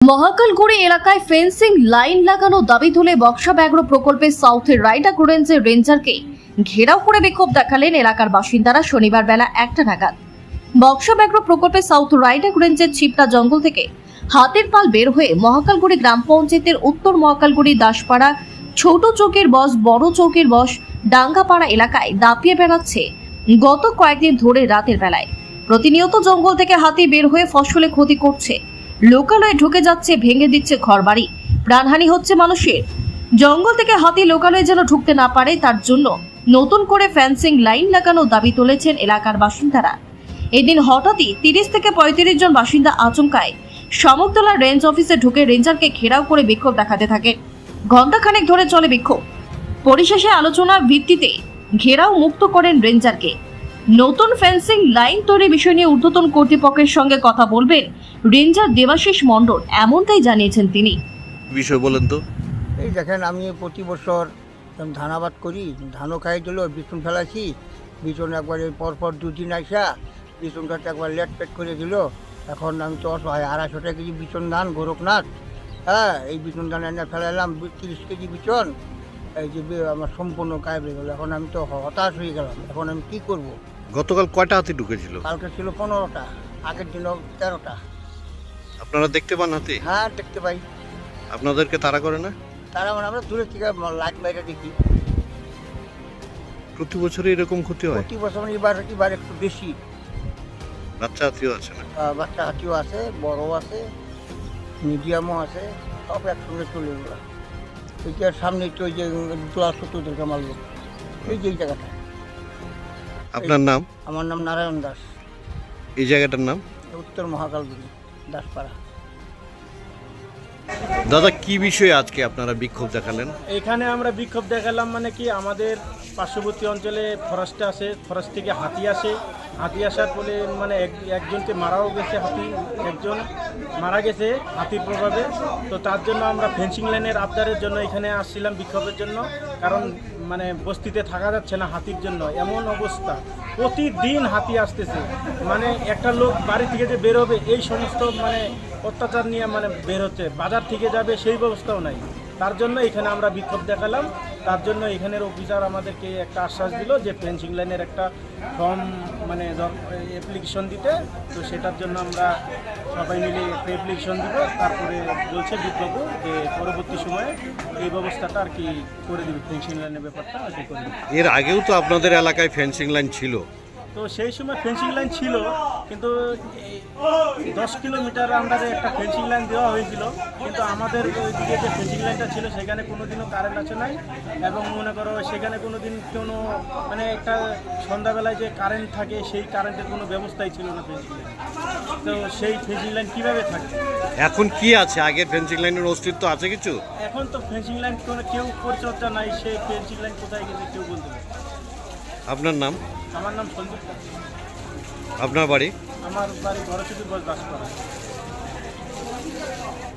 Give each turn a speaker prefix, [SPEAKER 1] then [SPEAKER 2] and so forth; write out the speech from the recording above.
[SPEAKER 1] মহাকালগুড়ি এলাকায় fencing line লাগানো দাবি তুলে বক্সা ব্যাঘ্র প্রকল্পের সাউথের রাইডাক রেঞ্জের রেঞ্জারকে ঘেরাও করে বিক্ষোভ দেখালেন এলাকার বাসিন্দারা শনিবার বেলা 1টা নাগাদ। বক্সা ব্যাঘ্র প্রকল্পের সাউথ রাইডাক রেঞ্জের ছিপটা জঙ্গল থেকে হাতের পাল বের হয়ে মহাকালগুড়ি গ্রাম পঞ্চায়েতের উত্তর মহাকালগুড়ি দাসপাড়া ছোট চৌকের বস বড় চৌকের বস ডাঙ্গাপাড়া এলাকায় দাপিয়ে বেড়াচ্ছে গত কয়েকদিন ধরে রাতের বেলায়। প্রতিনিয়ত জঙ্গল থেকে হাতি বের হয়ে ফসলে ক্ষতি করছে, লোকালয়ে ঢুকে যাচ্ছে, ভেঙে দিচ্ছে ঘরবাড়ি, প্রাণহানি হচ্ছে মানুষের। জঙ্গল থেকে হাতি লোকালয়ে যেন ঢুকতে না পারে তার জন্য নতুন করে ফেন্সিং লাইন লাগানো দাবি তুলেছেন এলাকার বাসিন্দারা। এদিন হঠাৎই 30 থেকে 35 জন বাসিন্দা আচমকায় শামুকতলা রেঞ্জ অফিসে ঢুকে রেঞ্জারকে ঘেরাও করে বিক্ষোভ দেখাতে থাকে। ঘণ্টাখানেক ধরে চলে বিক্ষোভ। পরিশেষে আলোচনার ভিত্তিতে ঘেরাও মুক্ত করেন রেঞ্জারকে। নতুন ফেন্সিং লাইন তৈরির বিষয় নিয়ে ঊর্ধ্বতন কর্তৃপক্ষের সঙ্গে কথা বলবেন রেঞ্জার দেবাশিস মণ্ডল, এমনটাই জানিয়েছেন তিনি।
[SPEAKER 2] বিষয় বলেন তো।
[SPEAKER 3] এই দেখেন, আমি প্রতি বছর ধান আবাদ করি, ধানও খাই দিল, বিচুন ফেলাইছি, বিচুন একবার পরপর দুদিন আসা বিচুনটাতে একবার লেট পেট করে দিল। এখন আমি তো অসহায়, 250 টাকা কেজি বিচুন ধান গোরখনাথ, হ্যাঁ, এই বিচুন ধান এনে ফেলাইলাম 30 কেজি বিচুন, এই যে আমার সম্পূর্ণ গায়েব হয়ে গেল। এখন আমি তো হতাশ হয়ে গেলাম, এখন আমি কী করব।
[SPEAKER 2] গতকাল কয়টা হাতি ঢুকেছিল?
[SPEAKER 3] কালকে ছিল 15টা, আগের দিনও 13টা।
[SPEAKER 2] আপনারা দেখতে পান হাতি?
[SPEAKER 3] হ্যাঁ, দেখতে পাই।
[SPEAKER 2] আপনাদেরকে তাড়া করে না?
[SPEAKER 3] তারা মানে আমরা দূরে থেকে লাইট বাইরে দেখি।
[SPEAKER 2] প্রতি বছরই এরকম ক্ষতি হয়?
[SPEAKER 3] প্রতি বছর এবার একটু বেশি।
[SPEAKER 2] বাচ্চা হাতিও আছে না?
[SPEAKER 3] বাচ্চা হাতিও আছে, বড় আছে, মিডিয়ামও আছে, সব একসঙ্গে চলে গেল। এটার সামনে তো ওই যে দোলা শত্রুদেরকে মারল, এই যে এই জায়গাটা।
[SPEAKER 2] আপনার নাম?
[SPEAKER 3] আমার নাম নারায়ণ দাস।
[SPEAKER 2] এই জায়গাটার নাম?
[SPEAKER 3] উত্তর মহাকালগুড়ি দাসপাড়া।
[SPEAKER 2] দাদা, কি বিষয়ে আজকে আপনারা বিক্ষোভ দেখালেন?
[SPEAKER 4] এখানে আমরা বিক্ষোভ দেখালাম মানে কি, আমাদের পার্শ্ববর্তী অঞ্চলে ফরেস্ট আসে, ফরেস্ট থেকে হাতি আসে, হাতি আসার ফলে মানে একজনকে মারাও গেছে, হাতি একজন মারা গেছে হাতির প্রভাবে। তো তার জন্য আমরা ফেন্সিং লাইনের আবদারের জন্য এখানে আসছিলাম বিক্ষোভের জন্য। কারণ মানে বস্তিতে থাকা যাচ্ছে না হাতির জন্য, এমন অবস্থা, প্রতিদিন হাতি আসতেছে। মানে একটা লোক বাড়ি থেকে যে বেরোবে এই সমস্ত মানে অত্যাচার নিয়ে মানে বের হচ্ছে, বাজার থেকে যাবে সেই ব্যবস্থাও নাই। তার জন্য এখানে আমরা বিক্ষোভ দেখালাম। তার জন্য এখানের অফিসার আমাদেরকে একটা আশ্বাস দিল যে ফেন্সিং লাইনের একটা ফর্ম মানে অ্যাপ্লিকেশন দিতে। তো সেটার জন্য আমরা সবাই মিলে একটা অ্যাপ্লিকেশন দিব। তারপরে বলছে বিজ্ঞাপন যে পরবর্তী সময়ে এই ব্যবস্থাটা আর কি করে দেবে, ফেন্সিং লাইনের ব্যাপারটা আর কি করে দেবে।
[SPEAKER 2] এর আগেও তো আপনাদের এলাকায় ফেন্সিং লাইন ছিল।
[SPEAKER 4] তো সেই সময় ফেন্সিং লাইন ছিল, কিন্তু 10 কিলোমিটার আন্ডারে একটা ফেন্সিং লাইন দেওয়া হয়েছিল। কিন্তু আমাদের ওইদিকে যে ফেন্সিং লাইনটা ছিল সেখানে কোনোদিনও কারেন্ট আছে নাই, এবং মনে করো সেখানে কোনোদিন কোনো মানে একটা সন্ধ্যাবেলায় যে কারেন্ট থাকে সেই কারেন্টের কোনো ব্যবস্থাই ছিল না ফেন্সিং লাইন। তো সেই ফেন্সিং লাইন কীভাবে থাকে?
[SPEAKER 2] এখন কি আছে? আগের ফেন্সিং লাইনের অস্তিত্ব আছে কিছু?
[SPEAKER 4] এখন তো ফেন্সিং লাইন কোনো কেউ পরিচর্যা নাই, সেই ফেন্সিং লাইন কোথায় গেছে কেউ বলতে পারে।
[SPEAKER 2] আপনার নাম?
[SPEAKER 4] আমার নাম সঞ্জীব।
[SPEAKER 2] আপনার বাড়ি?
[SPEAKER 4] আমার বাড়ি বড় চতুর্ভুজ দাসপাড়া।